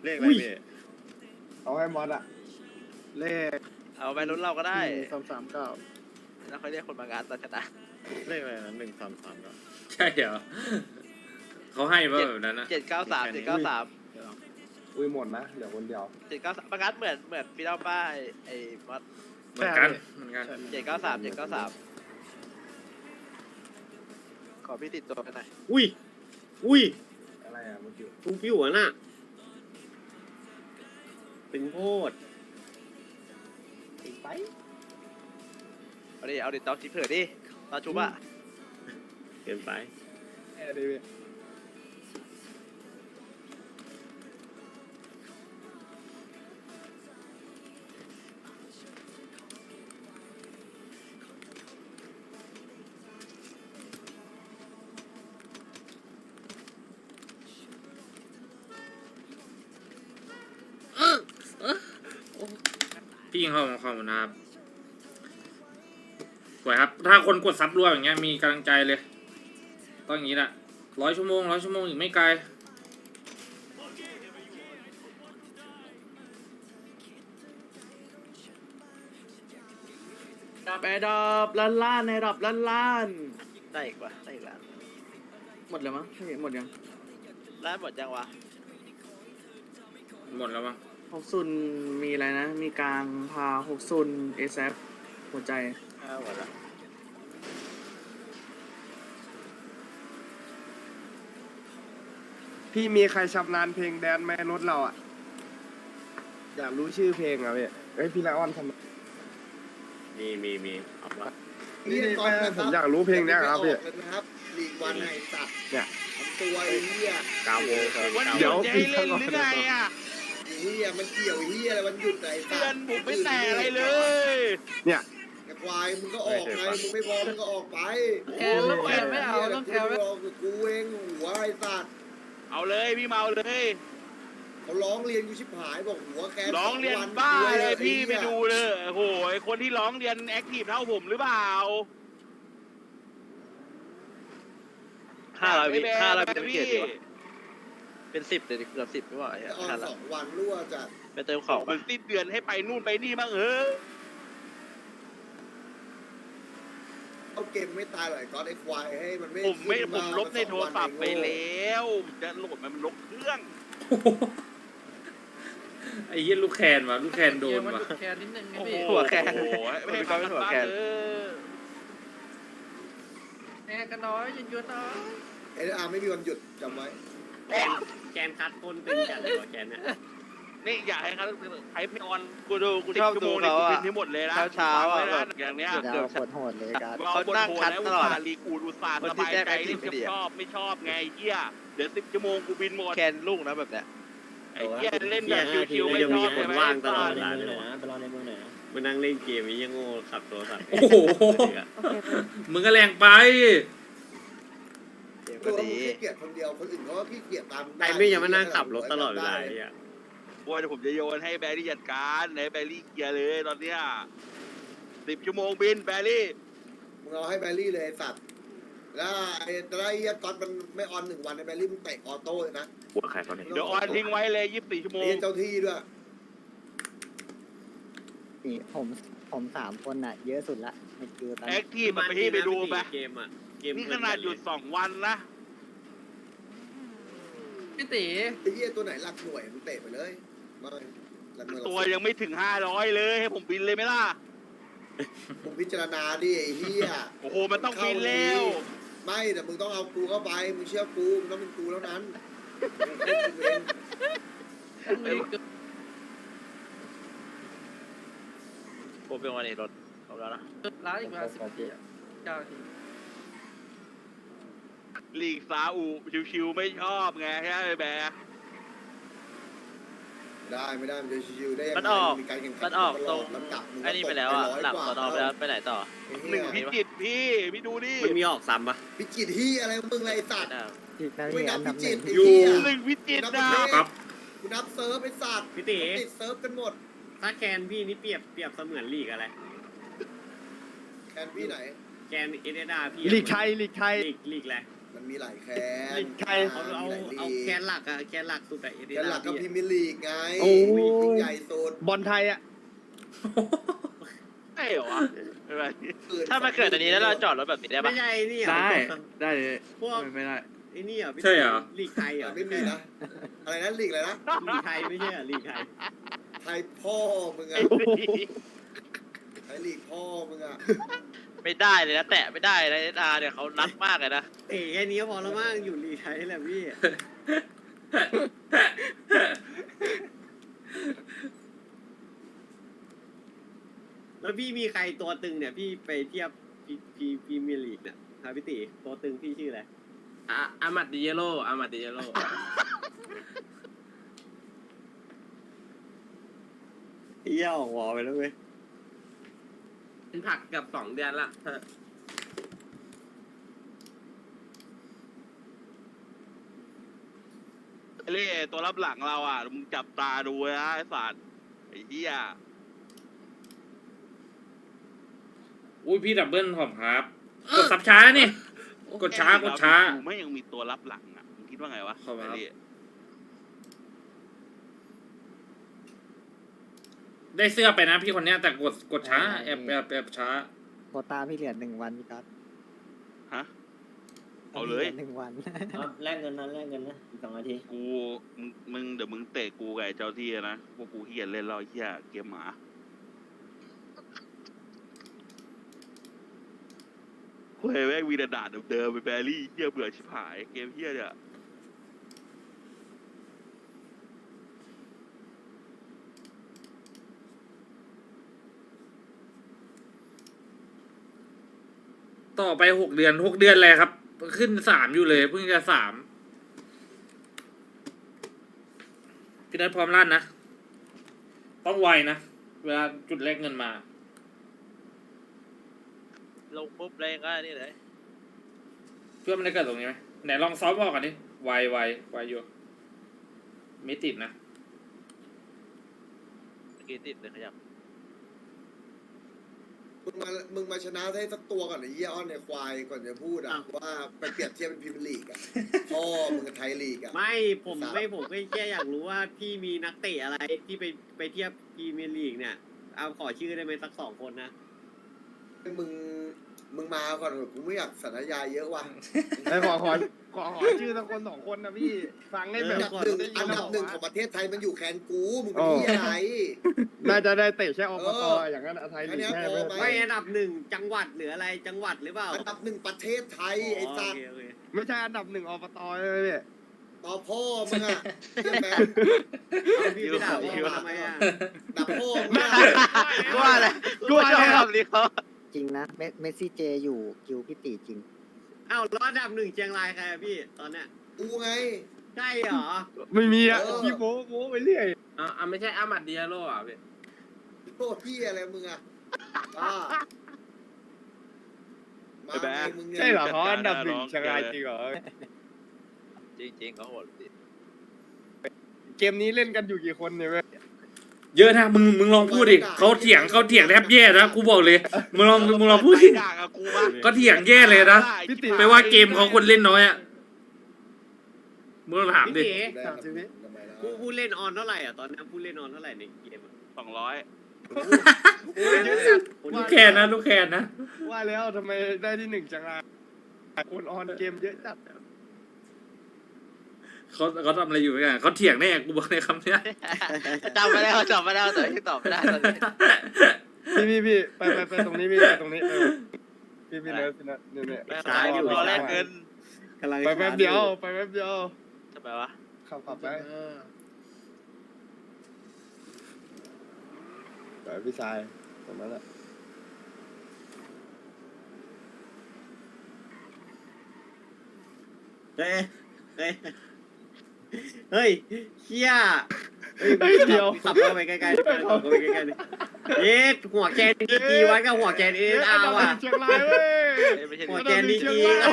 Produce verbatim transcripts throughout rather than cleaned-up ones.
เลขอะไรพี่เอาให้มอสอะเลขเอาไปรุ่นเราก็ได้สามสามเก้าแล้วเขาเรียกคนมางานตาชนะเลขอะไรนะหนึ่งสามสามก็ใช่เหรอเขาให้ป่ะแบบนั้นนะเจ็ดเก้าสามเจ็ดเก้าสามอุ้ยหมดนะเหลือคนเดียวเจ็ดเก้าสามมางานเหมือนเหมือนพี่เล่าป้าไอ้มอสเหมือนกันเหมือนกันเจ็ดเก้าสามเจ็ดเก้าสามขอพี่ติดตัวกันหน่อยอุ้ยอุ้ยอะไรอะเมื่อกี้ฟุ้งฟิวอ่ะน่ะตึงโพดติดไปเอาดิเอาดิตอนจีเผื่อดิตอนชุบอะเกินไปแอร์ดีพี่พี่ยิงเข้ามาเข้ามานะครับสวยครับถ้าคนกดซับรัวอย่างเงี้ยมีกำลังใจเลยต้องอย่างนี้แหละร้อยชั่วโมงร้อยชั่วโมงอีกไม่ไกลดับแอร์ดับล้านล้านในดับล้านล้านได้อีกวะได้อีกแล้วหมดแล้วมั้งใช่หมดยังร้านหมดยังวะหมดแล้วมั้งหกซุนมีอะไรนะมีกลางพาหกซุนเอซหัวใจอ่าหมดแล้วพี่มีใครชำนาญเพลงแดนไหมรถเราอะอยากรู้ชื่อเพลงอะพี่เฮ้ยพี่ละอ่อนทำมีมีมีเอาละนี่ตอนผมอยากรู้เพลงเนี้ยครับพี่นะครับลีกวันไหนสัตว์เนี่ยตัวไอ้เหี้ยกาโวเดี๋ยวพี่เล่นหรือไงอ่ะเหี้ยมันเกี่ยวเหี้ยอะไรมันหยุดไหนสัตว์เตือนผมไม่แต่อะไรเลยเนี่ยแต่ควายมึงก็ออกไงมึงไม่พอมึงก็ออกไปแอนต้องแอนไม่เอาต้องแอนไม่เอากูเองหัวไอ้สัตว์เอาเลยพี่เมาเลยเขาร้องเรียนกูชิบหายบอกหัวแกร้องเรียนบ้าเลยพี่ไปดูเลยโอ้โหคนที่ร้องเรียนแอคทีฟเท่าผมหรือเปล่าห้าร้อยวิห้าร้อยวิจะไม่เกียรติวะเป็นสิบเลยเกือบสิบไม่ไหวอ่ะห้าสองวันรั่วจัดไปเติมของมันสิ้นเดือนให้ไปนู่นไปนี่บ้างเออเอาเกมไม่ตายหรอกก้อนไอ้ควายให้มันไม่ผมไม่ผมลบในโทรศัพท์ไปแล้วจะโหลดมันมันลบเครื่องไอ้ยี่ลูกแคนวะลูกแคนโดนวะแคนนิดนึงโอ้โหหัวแคนไม่ให้ความหัวแคนแอร์กันน้อยยืนยืนน้อยเออาร์ไม่มีวันหยุดจำไว้แกนคัดคนตึงจัดเลยแกนเนี่ยนี่อยากให้เขาใช้พี่ออนกูดูกูชอบดูเขาอ่ะที่หมดเลยนะเช้าๆอ่ะอย่างเนี้ยเกือบโหดเลยกันเขานั่งคัดตลอดรีกูอุตส่าห์สบายใจที่ชอบไม่ชอบไงเหี้ยเดี๋ยวสิบชั่วโมงกูบินหมดแคนลูกนะแบบเนี้ยไอ้เหี้ยเล่นแบบชิวๆไม่ชอบเลยว่างตลอดเวลาเลยนะไปรอในเมืองไหนมานั่งเล่นเกมนี้ยังโง่ขับโทรศัพท์โอ้โหมึงก็แรงไปตัวมึงขี้เกียจคนเดียวคนอื่นเขาก็ขี้เกียจตามไอ้ไม่ยังมานั่งขับรถตลอดเวลาเนี่ยว่าเดี๋ยวผมจะโยนให้แบรี่จัดการให้แบรี่เกียร์เลยตอนเนี้ยสิบชั่วโมงบินแบรี่มึงเอาให้แบรี่เลยสัตว์แล้วไอ้ตอนไอ้ก๊อตมันไม่ออนหนึ่งวันไอ้แบรี่มึงเตะออโต้เลยนะหัวใครเขาเนี่ยเดี๋ยวออนทิ้งไว้เลยยี่สิบสี่ชั่วโมงเจ้าที่ด้วยนี่ผมผมสามคนอ่ะเยอะสุดละในคิวตอนแอคทีฟไปที่ไปดูไปเกมอ่ะนี่ขนาดหยุดสองวันนะพี่ตีไอ้เหี้ยตัวไหนหลักหน่วยมึงเตะไปเลยตัวยังไม่ถึงห้าร้อยเลยให้ผมบินเลยไหมล่ะผมพิจารณาดิไอ้เหี้ยโอ้โหมันต้องบินแล้วไม่แต่มึงต้องเอากูเข้าไปมึงเชื่อกูมึงต้องเป็นกูแล้วนั้นผมเป็นวันนี้รถเอาแล้วนะร้านอีกมาสิบนาทีเก้านาทีลีกซาอูชิวๆไม่ชอบไงใช่ไหมแบร์ได้ไม่ได้มันจะชิวๆได้ยังไงมันออกมันออกตรงไอ้นี่ไปแล้วอ่ะหลับต่อไปแล้วไปไหนต่อหนึ่งพิจิตพี่พี่ดูดิมันมีออกซ้ำปะพิจิตที่อะไรมึงไรสัตว์ไม่นับพิจิตอยู่หนึ่งพิจิตนะครับกูนับเซิร์ฟไอ้สัตว์พี่ตีติดเซิร์ฟกันหมดถ้าแคนพี่นี่เปรียบเปรียบเสมือนลีกอะไรแคนพี่ไหนแคนเอเดดาพี่ลีกไทยลีกไทยลีกลีกอะไรมันมีหลายแคนใครเอาเอามีหลยลีกเอาแคนหลักอะแคนหลักสุดอะเอเดแคนหลักก็พี่พรีเมียร์ลีกไงโอ้ยยิ่งใหญ่สุดบอลไทยอ่ะใช่เหรอวะไม่เป็นไรถ้ามาเกิดอันนี้แล้วเราจอดรถแบบนี้ได้ไม่ใช่นี่เหรอได้ได้เลยพวกไม่ไม่ได้ไอ้นี่เหรอพี่ใช่เหรอลีกไทยเหรอไม่มีนะอะไรนะลีกอะไรนะลีกไทยไม่ใช่เหรอลีกไทยไทยพ่อมึงอะไทยลีกพ่อมึงอะไม่ได้เลยนะแตะไม่ได้นะเอสอาร์เนี่ยเขารัดมากเลยนะเอ๋แค่นี้ก็พอแล้วมั้งอยู่ลีกไทยแหละพี่ แล้วพี่มีใครตัวตึงเนี่ยพี่ไปเทียบพีพีพรีเมียร์ลีกเนี่ยครับพี่ติตัวตึงพี่ชื่ออะไรอะอามัดดิเยโร่อามัดดิเยโร่เที่ยวหัวไปแล้วเว้ยเป็นผักเกับสองเดือนละเล่ตัวรับหลังเราอ่ะมึงจับตาดูนะไอ้สัตว์ไอ้เหี้ยอุ้ยพี่ดับเบิลขอบครับกดสับช้านี่ กดช้ากดช้ากูไม่ยังมีตัวรับหลังอ่ะมึงคิดว่าไงวะขอบคุณครับไอ้เล่ได้เสื้อไปนะพี่คนเนี้ยแต่กดกดช้าแอบแอบแอบช้าโควตาพี่เหรียญหนึ่งวันพี่ก๊อตฮะเอาเลยหนึ่งวันแลกเงินนะแลกเงินนะอีกสองนาทีกูมึงมึงเดี๋ยวมึงเตะกูกับไอ้เจ้าที่นะพวกกูเฮียเล่นเราไอ้เฮียเกมหมาเฮ้ยแม่งวีดาดเดิมๆไปแบรี่เฮียเบื่อชิบหายเกมเฮียเนี่ยต่อไปหกเดือนหกเดือนเลยครับ ขึ้นสามอยู่เลยเพิ่งจะสามพี่นัทพร้อมลั่นนะ ต้องไวนะ เวลาจุดแรกเงินมาลงปุ๊บเลยก็นี่เลยเพื่อมันได้เกิดตรงนี้ไหมไหนลองซ้อมบอกกันดิไวไวไวอยู่ไม่ติดนะเมื่อกี้ติดเลยขยับมึงมามึงมาชนะให้สักตัวก่อนไอ้เหี้ยอ้อนเนี่ยควายก่อนจะพูดอะว่าไปเปรียบเทียบเป็นพรีเมียร์ลีกอะพ่อมึงกับไทยลีกอะไม่ผมไม่ผมก็แค่อยากรู้ว่าพี่มีนักเตะอะไรที่ไปไปเทียบพรีเมียร์ลีกเนี่ยเอาขอชื่อได้ไหมสักสองคนนะมึงมึงมาก่อนเถอะกูไม่อยากสัญญาเยอะว่ะไอ้ขอขอขอขอชื่อสักคนสองคนนะพี่ฟังให้แบอับนดับหนึ่งอันดับหนึ่งของประเทศไทยมันอยู่แคนกูมึงเป็นอ๋อที่อะไรน่าจะได้เตะแค่อบตเอออย่างนั้นอะไทยลีกอันเนี้ยแค่พอไหมไม่อันดับหนึ่งจังหวัดหรืออะไรจังหวัดหรือเปล่าอันดับหนึ่งประเทศไทยไอ้สัตว์โอเคไม่ใช่อันดับหนึ่งอบตเลยพี่ต่อพ่อมึงอะเหี้ยแมนโอเคเอาพี่ไปด่าพ่อมาทำไมอ่ะดับพ่อมึงอะกูว่าอะไรกูชอบคำนี้เขาจริงนะเมเมสซี่เจอยู่คิวพี่ตีจริงอ้าวแล้วอันดับหนึ่งเชียงรายใครอะพี่ตอนเนี้ยกูไงใช่เหรอไม่มีอะเออพี่โม้โม้ไปเรื่อยอ่าไม่ใช่อามัดดิเยโร่อ่ะพี่โอ้พี่อะไรมึงอะบ้ามาไงมึงเนี่ยใช่เหรอเขาอันดับหนึ่งเชียงรายจริงเหรอจริงๆเขาโหดจริงเกมนี้เล่นกันอยู่กี่คนเนี่ยเว้ยเยอะนะมึงมึงลองพูดดิเขาเถียงเขาเถียงแทบแย่นะกูบอกเลยมึงลองมึงลองพูดดิด่ากับกูปะก็เถียงแย่เลยนะพี่ติไม่ว่าเกมเขาคนเล่นน้อยอ่ะมึงลองถามดิพี่เก๋ได้ครับทำไมล่ะผู้ผู้เล่นออนเท่าไหร่อ่ะตอนนี้ผู้เล่นออนเท่าไหร่ในเกมอะสองร้อยลูกแคนนะลูกแคนนะว่าแล้วทำไมได้ที่หนึ่งจังรายคนออนเกมเยอะจัดเขาเขาทำอะไรอยู่กันเขาเถียงแน่กูบอกในคำเนี้ยจำไม่ได้เขาจำไม่ได้แต่ยังตอบไม่ได้ตอนนี้พี่พี่พี่ไปไปไปตรงนี้พี่ไปตรงนี้ไปพี่พี่เนิร์ดพี่เนิร์ดเนี่ยเนี่ยแม่ตายอยู่รอแลกเงินกำลังไปแป๊บเดียวไปแป๊บเดียวทำไมวะขับขับไปไปพี่ชายตรงนั้นแหละเฮ้ยเฮ้ยเฮ้ยเฮียเฮ้ยเดียวขับเข้าไปใกล้ๆดิขับเข้าไปใกล้ๆดิเย็ดหัวแกนดีกีวัดกับหัวแกนเอสอาร์ว่ะเชียงรายเว้ยไม่ใช่หัวแกนดีกี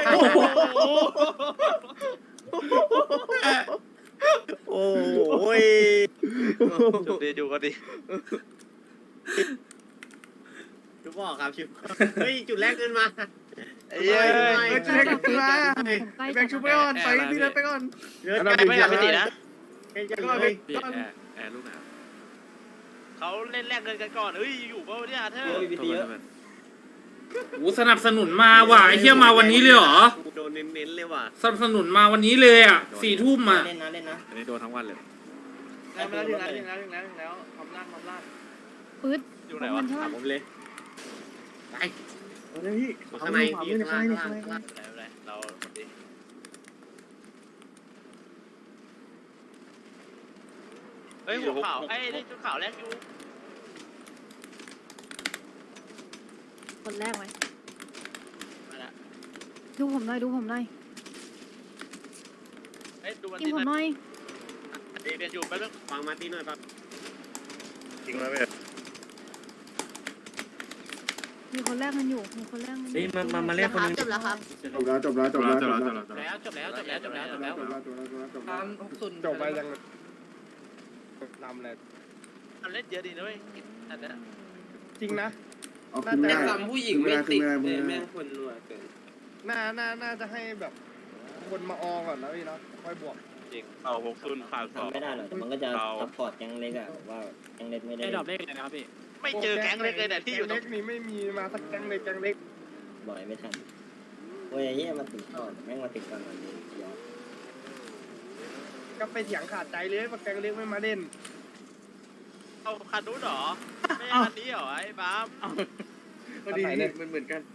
โอ้ยจุดดีดูกันดิชุบบอกครับชุบเฮ้ยจุดแรกขึ้นมาไอ้เหี้ยเฮ้ยจุดแรกขึ้นมาแบงค์ชุบไปก่อนไปพี่เดินไปก่อนเลือดอันนั้นไก่เป็นไม่อยากไปตีนะไก่จะก็เลไปยก่อนแอร์ลูกนะเขาเล่นแลกเงินกันก่อนเฮ้ยอยู่เปล่าเนี่ยเธอโอ้สนับสนุนมาว่ะไอ้เหี้ยมาวันนี้เลยเหรอโดนเน้นๆเลยว่ะสนับสนุนมาวันนี้เลยอ่ะสี่ทุ่มอ่ะเล่นนะเล่นนะอันนี้โดนทั้งวันเลยแล้วถึงแล้วถึงแล้วถึงแล้วถึงแล้วทำล่างทำล่างปื๊ดอยู่ไหนวะมันใช่ถามปะผมเลยไปเอาเลยพี่ข้างในพี่ข้างล่างข้างล่างข้างล่างไหนไหนเราคนดีเฮ้ยหัวขาวไอ้นี่ชุดขาวแรกอยู่คนแรกไหมมาละดูผมหน่อยดูผมหน่อยเฮ้ยดูมันยิงดีผมหน่อยเรียนอยู่แป๊บนึงฟังมาตีหน่อยครับจริงไหมเว้ยมีคนแรกมันอยู่มีคนแรกมันอยู่เฮ้ยมามามาเล่นคนนึงจบแล้วครับจบแล้วจบแล้วจบแล้วจบแล้วแล้วจบแล้วจบแล้วจบแล้วจบแล้วจบแล้วจบแล้วจบแล้วจบตาแล้วมหกศูนย์จบไปยังนำเลยมันเล่นเยอะดีนะเว้ยอันนี้จริงนะแต่ซ้ำผู้หญิงไม่ติดเลยแม่งคนรัวเกินน่าน่าน่าจะให้แบบคนมาออก่อนนะพี่เนาะค่อยบวกจริงเอาหกศูนย์ขาดสองทำไม่ได้หรอกแต่มันก็จะเอาซัพพอร์ตแก๊งเล็กอะว่าแก๊งเล็กไม่ได้ไอ้ดอกเลขอะไรนะครับพี่ไม่เจอแก๊งเล็กเลยเนี่ยที่อยู่ตรเล็งกนี่ไม่มีมาสักแก๊งเลยแก๊งเล็กบ่อยไม่ทันเว้ยเฮียมาติดก่อนแม่งมาติดก่อนวันนี้เดี๋ยวก็ไปเถียงขาดใจเลยว่าแก๊งเล็กไม่มาเล่นเอาคันนู้นเหรอไม่ใช่คันนี้เหรอไอ้บ้ามพอดีมันเหมือนกัน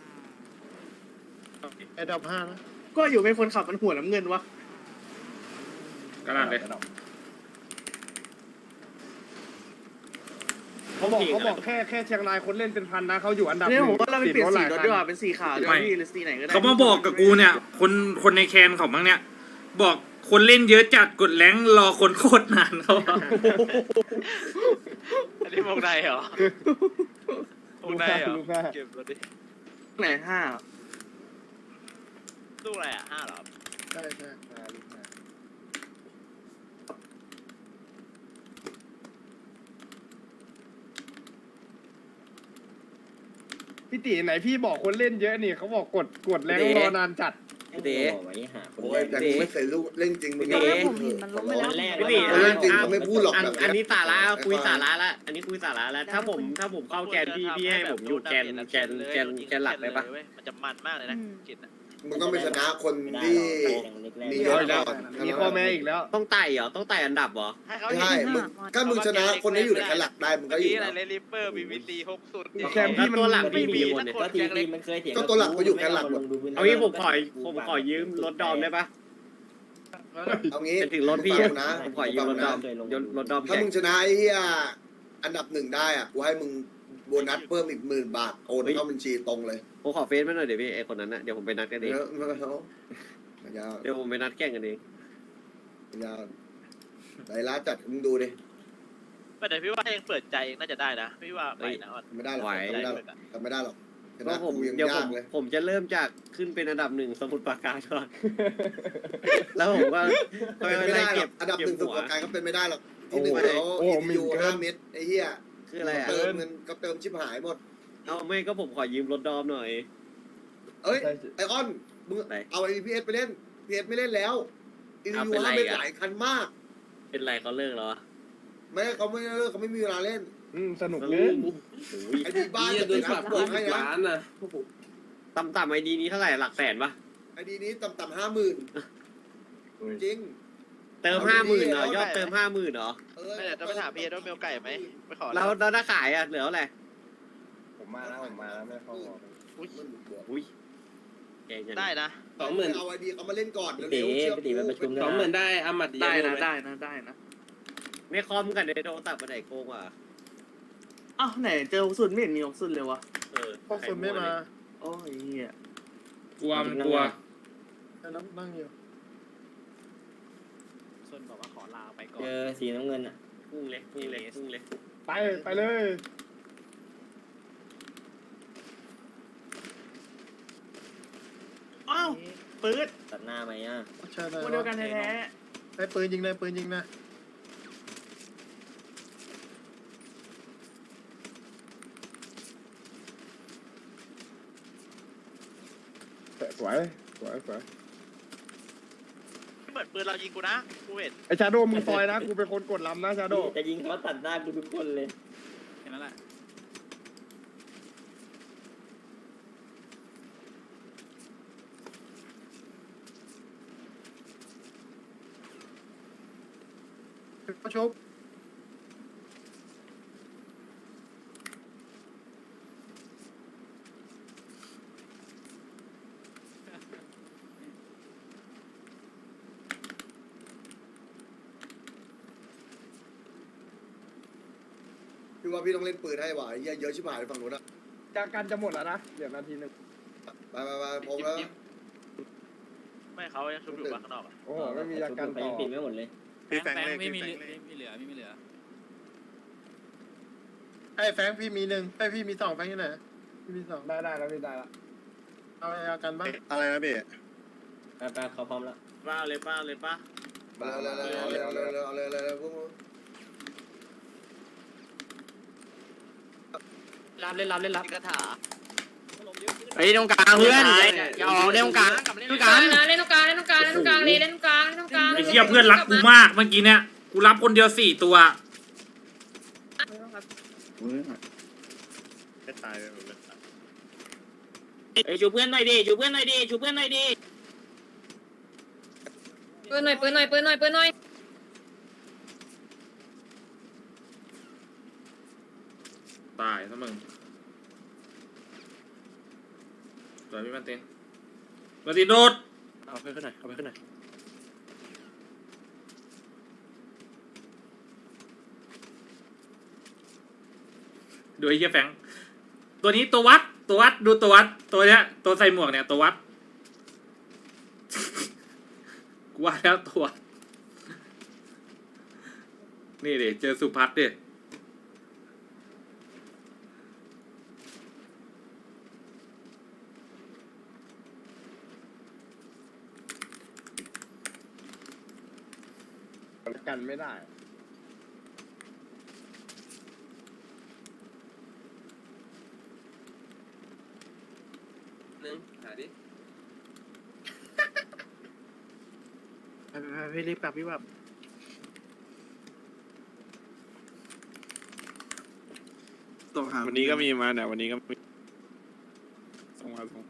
ไอ้ดอกห้านะก็อยู่เป็นคนขับมันหัวน้ำเงินวะกระดาษเลยเขาบอกเขาบอกแค่แค่เชียงรายคนเล่นเป็นพันนะเขาอยู่อันดับเนี่ยผมว่าเราไปเปลี่ยนสีรถดีกว่าติเป็นสีขาวดีกว่าพี่หรือสีไหนก็ได้เขามาบอกกับกูเนี่ย คนคนในแคนเขาบ้างเนี่ย บอกคนเล่นเยอะจัดกดแรงค์รอคนโคตรนานเขาบอกอันนี้วงในเหรอวงในเหรอลูกห้าเก็บรถดิไหนห้าลูกอะไรอ่ะห้าเหรอใช่ใช่อ่าลูกห้าพี่ตีไหนพี่บอกคนเล่นเยอะนี่เขาบอกกดกดแรงรอนานจัดเดี๋ยวไว้หาคนโอ้แรยกแต่กูไม่เคยรู้เล่นจริงมึงตอนแรกผมเห็นมันล้มไปแล้วคนแรกพี่ตีเล่นจริงเขาไม่พูดหรอกอันแบบอันเนี้นี้ยสาระคุยสาระละอันนี้คุยสาระแล้วถ้าผมถ้าผมเข้าแกนพี่พี่ให้ผมอยู่แกนแกนแกนแกนหลักได้ปะมันจะมันมากเลยนะกินอ่ะมึงต้องไปชนะคนไม่ได้ที่หรอกแก๊งเล็กแรกมีมีเยข้ออะแม้ก่อนมีข้อแม้อีกแล้วต้องไต่เหรอต้องไต่อันดับเหรอให้เขาใช่มึงถ้ามึงชนะคนที่อยู่ในแค่หลักได้มึงก็เมื่ออยู่กี้อะไรแล้วเลลิปเปอร์บีบีซีหกสุดแคนพี่มันตัวหลักไม่มีพี่คนเนี่ยก็ทีทีมันเคยเถียงก็ตัวหลักก็อยู่แค่หลักหมดเอางี้ผมขอผมขอยืมรถดอมได้ปะเอางี้เป็นถึงรถพี่ฟัอะงนะผมขอยืมรถดอมยนรถดอมถ้าแข่งมึงชนะไอ้เหี้ยอันดับหนึ่งได้อ่ะกูให้มึงโบนัสเพิ่มอีกหมื่นบาทโอนเข้าบัญชีตรงเลยผมขอเฟซมาหน่อยเดี๋ยวพี่ไอคนนั้นนะเดี๋ยวผมไปนัดกันเองเยอะมากเขายาวเดี๋ยวผมไปนัดแข่งกันเองยาวไหนร้านจัดมึงดูดิไม่แต่พี่ว่ายังเปิดใจเองน่าจะได้นะพี่ว่าไปนะไม่ได้หรอกทำไม่ได้หรอกทำไม่ได้หรอกชก็นะผมกูยังเดี๋ยวผยาม กเลยผมจะเริ่มจากขึ้นเป็นอันดับหนึ่งสมุดปราการก่อน แล้วผมก็ค่อยเป็นไม่ไล่ได้หรเก็อบ กอันดับหเก็บนึ่งสุดหัวประการก็เป็นไม่ได้หรอกที่หนึ่งเขาโอ้อีมียูเกินห้าเม็ดไอ้เหี้ยคืออะไรอ่ะเติมเงินก็เติมชิบหายหมดเอาไม่ก็ผมขอยืมรถดอมหน่อยเอ้ยไอออนมึงไหนเอาไอพีเอสไปเล่นพีเอสไม่เล่นแล้วอีเอายูเป็นไรห้าเม็ดอ่ะหลายคันมากเป็นไรเขาเลิกแล้วอะไม่เขาไม่เลิกเขาไม่มีเวลาเล่นอืมสนุกเลโอ้ยโหไอดีบ้านนี่จะโดเป็นนนะปรับบอกยี่ให้สิบนะล้านนะต่ำๆไอดีนี้เท่าไหร่หลักแสนปะไอดีนี้ต่ำๆห้าหมื่นจริงเติมห้าหมื่นเหรอยอดเติมห้าหมื่นเหรอเออไม่แต่ต้องไปถามพี่ว่าเมลไก่ไหมไปขอแล้วแล้วถ้าขายอ่ะเหลือเท่าไหร่ผมมาแล้วผมมาแล้วไม่เข้าวอลอุ้ยมันบวกอุ้ยแกงจังได้นะสองหมื่นเอาไอดีเขามาเล่นก่อนพี่เร็ตีวๆเชื่อพี่ตีไปประชุมสองหมื่นได้อามัดได้เยนะอะได้นะได้นะในคอมกันในโทรศัพท์ไปไหนโกงอ่ะอ้าวไหนเจอหกศูนย์ไม่เห็นมีหกศูนย์เลยวะเออพวกคุณไม่มาโอ้ยเหี้ยกลัวมันกลัวนั่งนั่งอยู่ส่วนบอกว่าขอลาไปก่อเจนอสีน้ำเงินอ่ะพุ่งเลยพุ่งเลยพุ่งเลยไปไปเลยอ้าวปืดตัดหน้าไหมอ่ะใช่คนเดียวกันแท้ไอ้ปืนยิงเลยปืนยิงนะๆวยสวยสวยเหมือนปืนเรายิงกูนะกูเห็นไอชาโดมึงซอยนะกูเป็นคนกดลำนะชาโดจะยิงเขาตัดหน้ากูทุกคนเลยแค่นั้นแหละก็ชกพี่ว่าพี่ต้องเล่นปืนให้ว่ะไอ้เหี้ยเยอะชิบหายฝั่งนู้นอะจากกันจะหมดแล้วนะเดี๋ยวนาทีหนึ่งไปไปไปผมแล้วไม่เขายังชุบอยู่บ้านข้างนอกอะโอ้โหไม่มียากันไปต่อยังปิดไม่หมดเลยพี่แฟงเลขไม่มีพี่เหลือไม่มีเหลือไม่มีเหลือไอ้แฟงพี่มีหนึ่งไอ้พี่มีสองแฟงที่ไหนพี่มีสองได้ได้แล้วพี่ได้ละเอายากันบ้างอะไรนะพี่ไปไปเขาพร้อมแล้วป้าเลยป้าเลยป้าเอาเลยเอาเลยเอาเลยเอาเลยเอาเลยเอาเลยพวกมึงรับเล่นรับเล่นรับกระถาไอ้ตรงกลางเพื่อนอย่าออกเล่นตรงกลางตรงกลางเล่นตรงกลางเล่นตรงกลางเล่นตรงกลางเลยเล่นตรงกลางเล่นตรงกลางไอ้เหี้ยเพื่อนรักกูมากเมื่อกี้เนี่ยกูรับคนเดียวสี่ตัวไม่ตายเลยไอ้ชูเพื่อนหน่อยดิชูเพื่อนหน่อยดิชูเพื่อนหน่อยดิปืนหน่อยปืนหน่อยปืนหน่อยปืนหน่อยตายซะมึงตัวพี่มันตินมันตินโดดเอาไปขึ้นหน่อยเอาไปขึ้นหน่อยดูไอ้เหี้ยแฟงตัวนี้ตัววัดตัววัดดูตัววัดตัวเนี้ยตัวใส่หมวกเนี่ยตัววัด กูว่าแล้วตัว นี่ดิเจอสุพัฒน์ดิกันไม่ได้นึงหาดิไปไปไปรีบกลับรีบกลับวันนี้ก็มีมาเนี่ยวันนี้ก็มีส่งมาส่ง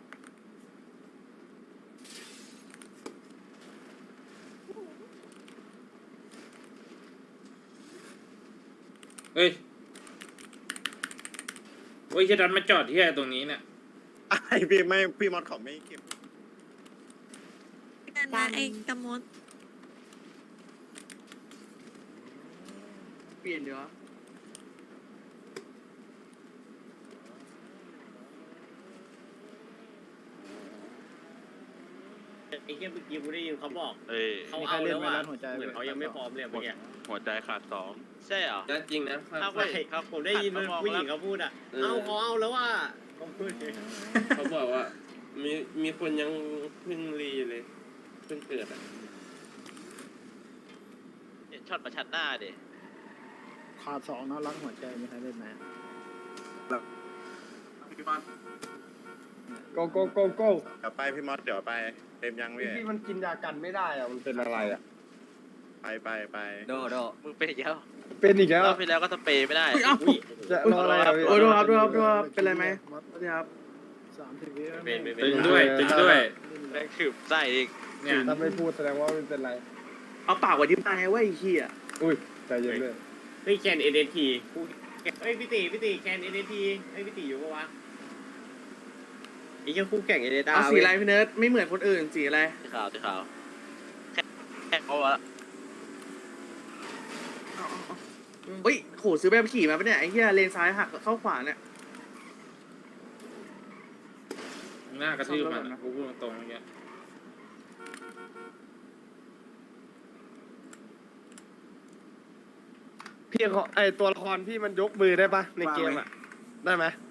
เฮ้ยโอ้ยจะดันมาจอดที่ตรงนี้เนี่ยไอพี่ไม่พี่มอสเขาไม่เก็บกันนะไอ้กระมดเปลี่ยนเดี๋ยวไอ้เหี้ยเมื่อกี้กูได้ยินเขาบอกเอ้ยเขาเอาแล้วอ่ะเหมือนเขายังไม่พร้อมเลยเมื่อกี้หัวใจขาดสองใช่เหรอจริงนะถ้าใช่ครับผมได้ยินผู้หญิงเขาพูดอ่ะเอาเขาเอาแล้วว่าเขาพูดเขาบอกว่ามีมีคนยังเพิ่งรีเลยเพิ่งเกิดอ่ะช็อตประชันหน้าดิขาดสองนะรักหัวใจมีใครเล่นไหมโกโก้โก้โก้เดี๋ยวไปพี่มอสเดี๋ยวไปเต็มยังพี่พี่มันกินยากันไม่ได้อะมันเป็นอะไรอะไปไปไปโดโดมึงเป็นอีกแล้วเป็นอีกแล้วรอบที่แล้วก็สเปรย์ไม่ได้จะรออะไรอะพี่โอ้ดูครับดูครับดูครับเป็นไรไหมสวัสดีครับสามสิบวิเป็นเป็นตึงด้วยตึงด้วยแรงขืบใส่อีกเนี่ยถ้าไม่พูดแสดงว่าไม่เป็นไรเอาปากไว้ที่ตายเว้ยไอ้เหี้ยอุ้ยใจเย็นเลยเฮ้ยแคนเอเดทีเฮ้ยพี่ตีพี่ตีแคนเอเดทีเฮ้ยพี่ตีอยู่ปะวะไอ้เจ้าคู่แข่งเอเดต้าเอาสีอะไรพี่เนิร์ดไม่เหมือนคนอื่นสีอะไรสีขาวสีขาวแค่แค่เขาอะเฮ้ยโหซื้อแบบขี่มาปะเนี่ยไอ้เหี้ยเลนซ้ายหักเข้าขวาเนี่ยหน้ากระทืบมันอะกูพูดตรงๆเมื่อกี้พี่ขอไอตัวละครพี่มันยกมือได้ปะในเกมอะได้ไหม